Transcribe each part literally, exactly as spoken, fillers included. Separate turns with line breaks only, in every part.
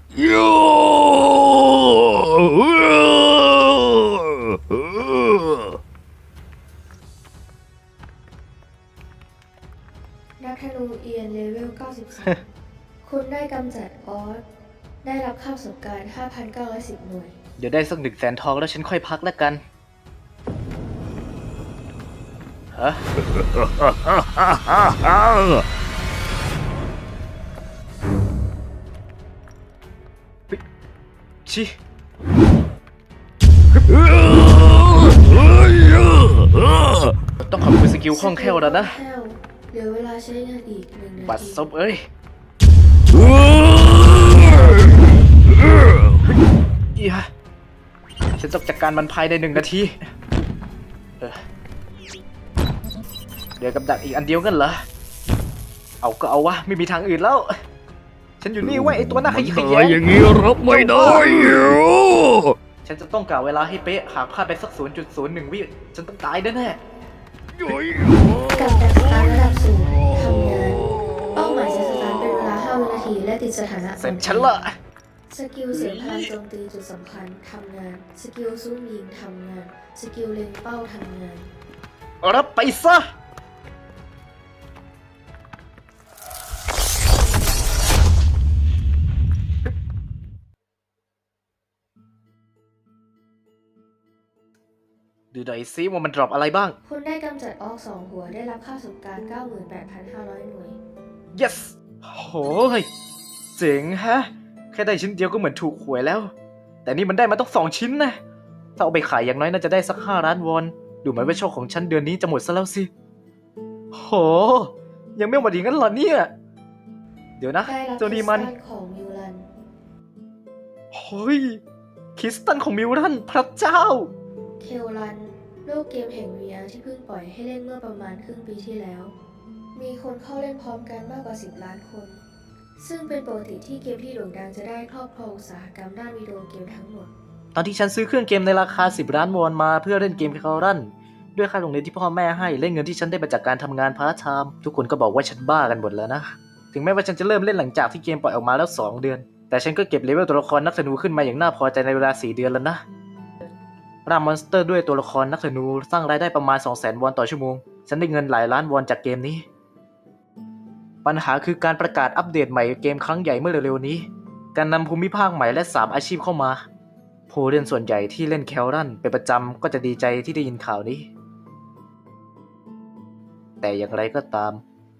นักธนูเอียนเลเวลเก้าสิบสอง คุณได้กำจัดออสได้รับค่าประสบการณ์ ห้าพันเก้าร้อยสิบ หน่วย
เดี๋ยวได้สักหนึ่งแสนทองแล้วฉันค่อยพักแล้วกันฮะชิต้องขอบคุณสกิลคล่องแคล่วแล้วนะ
เหลือเวลาใช้งานอีกหนึ่งนาที
บัดซบเอ้ยอีฮะฉันต้องจัดการมันภายในหนึ่งนาทีเออเดี๋ยวกับดักอีกอันเดียวกันเหรอเอาก็เอาวะไม่มีทางอื่นแล้วฉันอยู่นี่ไว้ไอตัวหน้าขยี้ขยี้
อย่างนี้รับไม่ได้
ฉันจะต้องกล่าวเวลาให้เป๊ะหากพลาดไปสัก ศูนย์จุดศูนย์หนึ่ง วิฉันต้องตายแน่แน่
กับดักสตาร์ทระดับสูงทำงานเป้าหมายจะสตาร์ทเป็นเวลาห้าวินาทีและติดสถานะ
เสร็จฉันละ
สกิลเสียงพลังโจมตีจุดสำคัญทำงานสกิลซุ่มยิงทำงานสกิลเล็งเป้าทำงาน
รับไปซะดูหน่อยซิว่ามันดรอปอะไรบ้าง
คุณได้กำจัดออกสองหัวได้รับค่าประสบการณ์ เก้าหมื่นแปดพันห้าร้อย หน่วย
yes โหยเจ๋งฮะแค่ได้ชิ้นเดียวก็เหมือนถูกหวยแล้ว แต่นี่มันได้มาต้องสองชิ้นนะถ้าเอาไปขายอย่างน้อยน่าจะได้สักห้าล้านวอนดูเหมือนว่าโชคของฉันเดือนนี้จะหมดซะแล้วสิโหยังไม่หมดอย่างนั้นเหรอเนี่ยเดี๋ยวนะ
ได้รับ
เจ้านี่มัน
คริสตัลของมิวลัน
เฮ้ยคริสตัลของมิวรันพระเจ้า
เทลรันโลกเกมแห่ง วี อาร์ ที่เพิ่งปล่อยให้เล่นเมื่อประมาณครึ่งปีที่แล้ว มีคนเข้าเล่นพร้อมกันมากกว่า สิบ ล้านคน ซึ่งเป็นปกติที่เกมที่โด่งดังจะได้ครอบครองอุตสาหกรรมด้านวิดีโอเกมทั้งหมด
ตอนที่ฉันซื้อเครื่องเกมในราคาสิบล้านวอนมาเพื่อเล่นเกมคารันด้วยค่าโรงเรียนที่พ่อแม่ให้และเงินที่ฉันได้มาจากการทำงานพาร์ทไทม์ทุกคนก็บอกว่าฉันบ้ากันหมดแล้วนะถึงแม้ว่าฉันจะเริ่มเล่นหลังจากที่เกมปล่อยออกมาแล้วสองเดือนแต่ฉันก็เก็บเลเวลตัวละครนักธนูขึ้นมาอย่างน่าพอใจในเวลาสี่เดือนแล้วนะร่ามอนสเตอร์ด้วยตัวละครนักธนูสร้างรายได้ประมาณ สองแสน วอนต่อชั่วโมงฉันได้เงินหลายล้านวอนจากเกมนี้ปัญหาคือการประกาศอัปเดตใหม่เกมครั้งใหญ่เมื่อเร็วๆนี้การนำภูมิภาคใหม่และสามอาชีพเข้ามาผู้เล่นส่วนใหญ่ที่เล่นแคลรันเป็นประจำก็จะดีใจที่ได้ยินข่าวนี้แต่อย่างไรก็ตาม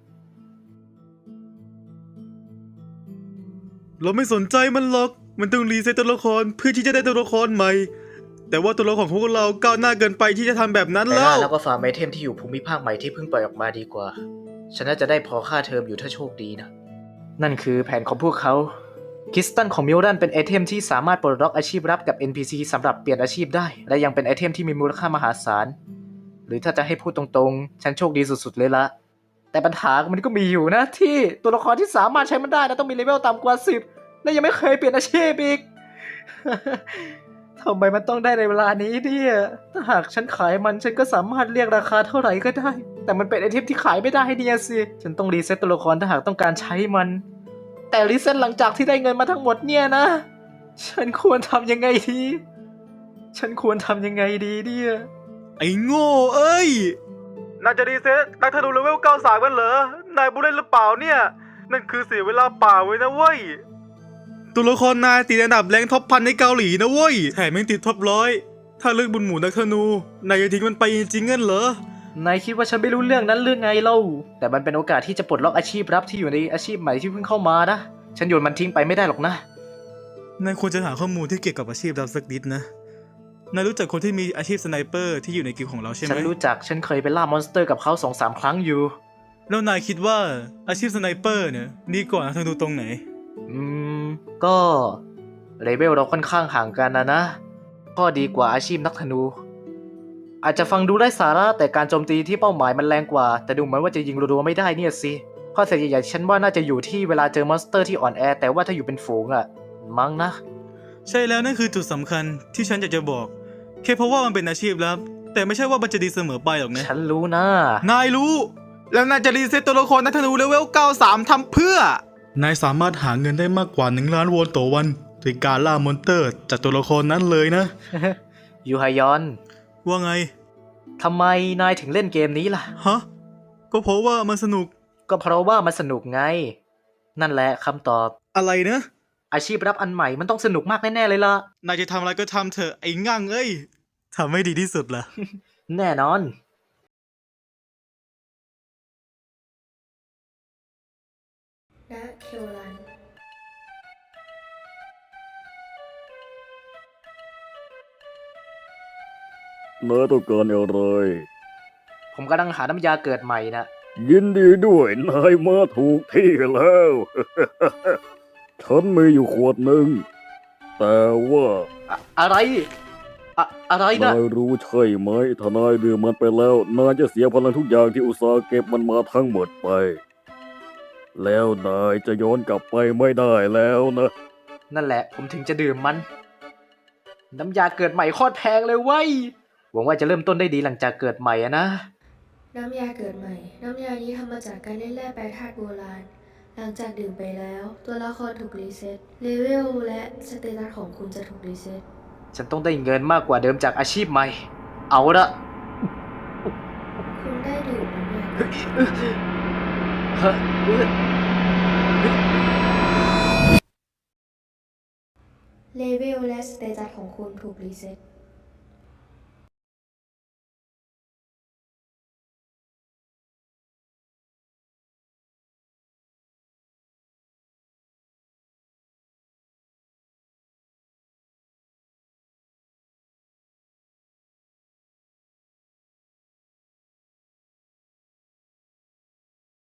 เราไม่สนใจมันหรอกมันต้องรีเซ็ตตัวละครเพื่อที่จะได้ตัวละครใหม่แต่ว่าตัวละครของพวกเราก้าวหน้าเกินไปที่จะทำแบบนั้น
แต่
แล้ว
แล้วก็ฟาร์มไอเทมที่อยู่ภูมิภาคใหม่ที่เพิ่งปล่อยออกมาดีกว่าฉันน่าจะได้พอค่าเทอมอยู่ถ้าโชคดีนะนั่นคือแผนของพวกเขาคริสตัลของมิลรันเป็นไอเทมที่สามารถปลดล็อกอาชีพลับกับ เอ็น พี ซี สำหรับเปลี่ยนอาชีพได้และยังเป็นไอเทมที่มีมูลค่ามหาศาลหรือถ้าจะให้พูดตรงๆฉันโชคดีสุดๆเลยละแต่ปัญหามันก็มีอยู่นะที่ตัวละครที่สามารถใช้มันได้นะต้องมีเลเวลต่ำกว่าสิบและยังไม่เคยเปลี่ยนอาชีพอีก ทำไมมันต้องได้ในเวลานี้เนี่ยถ้าหากฉันขายมันฉันก็สามารถเรียกราคาเท่าไหร่ก็ได้แต่มันเป็นไอเทมที่ขายไม่ได้เนี่ยสิฉันต้องรีเซ็ตตัวละครถ้าหากต้องการใช้มันแต่รีเซ็ตหลังจากที่ได้เงินมาทั้งหมดเนี่ยนะฉันควรทำยังไงดีฉันควรทำยังไงดีเนี่ย
ไอ้โง่เอ้ยน่าจะรีเซ็ตนักธนูเลเวลเก้าสิบสามกันเหรอนายบุเล่นหรือเปล่าเนี่ยนั่นคือเสียเวลาเปล่าไว้นะเว้ยตัวละครนายติดอันดับแรงท็อปพันในเกาหลีนะเว้ยแถมยังติดท็อปร้อยถ้าเลือกบุญหมู่นักธนูนายจะทิ้งมันไปจริงๆงั้นเหรอน
ายคิดว่าฉันไม่รู้เรื่องนั้นเรื่องไงเล่าแต่มันเป็นโอกาสที่จะปลดล็อกอาชีพลับที่อยู่ในอาชีพใหม่ที่เพิ่งเข้ามานะฉันโยนมันทิ้งไปไม่ได้หรอกนะ
นายควรจะหาข้อมูลที่เกี่ยวกับอาชีพเราสักนิดนะนายรู้จักคนที่มีอาชีพสไนเปอร์ที่อยู่ในกิลด์ของเราใช่ไหม
ฉันรู้จักฉันเคยไปล่ามอนสเตอร์กับเขาสองสามครั้งอยู่
แล้วนายคิดว่าอาชีพสไนเปอร์เนี่ยดีกว่านักธนูตรงไหน
อืมก็เลเวลเราค่อนข้างห่างกันนะนะข้อดีกว่าอาชีพนักธนูอาจจะฟังดูไร้สาระแต่การโจมตีที่เป้าหมายมันแรงกว่าแต่ดูเหมือนว่าจะยิงรัวๆไม่ได้เนี่ยสิข้อเสียใหญ่ๆฉันว่าน่าจะอยู่ที่เวลาเจอมอนสเตอร์ที่อ่อนแอแต่ว่าถ้าอยู่เป็นฝูงอะมั้งนะ
ใช่แล้วนั่นคือจุดสำคัญที่ฉันอยากจะบอกแค่เพราะว่ามันเป็นอาชีพลับแต่ไม่ใช่ว่ามันจะดีเสมอไปหรอกนะ
ฉันรู้นะ
นายรู้แล้วนายจะรีเซ็ตตัวละครนักธนูเลเวลเก้าสิบสามทำเพื่อนายสามารถหาเงินได้มากกว่าหนึ่งล้านวอนต่อวันโดยการล่ามอนเตอร์จากตัวละครนั้นเลยนะ
ยูฮายอน
ว่าไง
ทำไมนายถึงเล่นเกมนี้ล่ะ
ฮะ ก็เพราะว่ามันสนุก
ก็เพราะว่ามันสนุกไง นั่นแหละคำตอบ
อะไรนะ
อาชีพรับอันใหม่มันต้องสนุกมากแน่ๆเลยล่ะ
นายจะทำอะไรก็ทำเถอะไอ้งั่งเอ้ยทำให้ดีที่สุดล่ะ
แน่นอน
ณเคโอลัน
นายต้องการอะไร
ผมกำลังหาน้ำยาเกิดใหม่นะ
ยินดีด้วยนายมาถูกที่แล้ว ฉันมีอยู่ขวดหนึ่ง แต่ว่า
อะอะไรอะอะไรนะ
นายรู้ใช่ไหมถ้านายดื่มมันไปแล้ว นายจะเสียพลังทุกอย่างที่อุตสาห์เก็บมันมาทั้งหมดไป แล้วนายจะย้อนกลับไปไม่ได้แล้วนะ
นั่นแหละผมถึงจะดื่มมัน น้ำยาเกิดใหม่โคตรแพงเลยเว้ย หวังว่าจะเริ่มต้นได้ดีหลังจากเกิดใหม่อะนะ
น้ำยาเกิดใหม่ น้ำยานี้ทำมาจากการเล่นแร่แปรธาตุโบราณ หลังจากดื่มไปแล้ว ตัวละครถูกรีเซ็ต เลเวลและสเตตัสของคุณจะถูกรีเซ็ต
ฉันต้องได้เงินมากกว่าเดิมจากอาชีพใหม่ เอาละ
คุณได้ดื่มน้ำยา
เฮ้ยเอ้ยเฮ้ยเอ้ย
เลเวลและสเตตัสของคุณถูกรีเซ็ต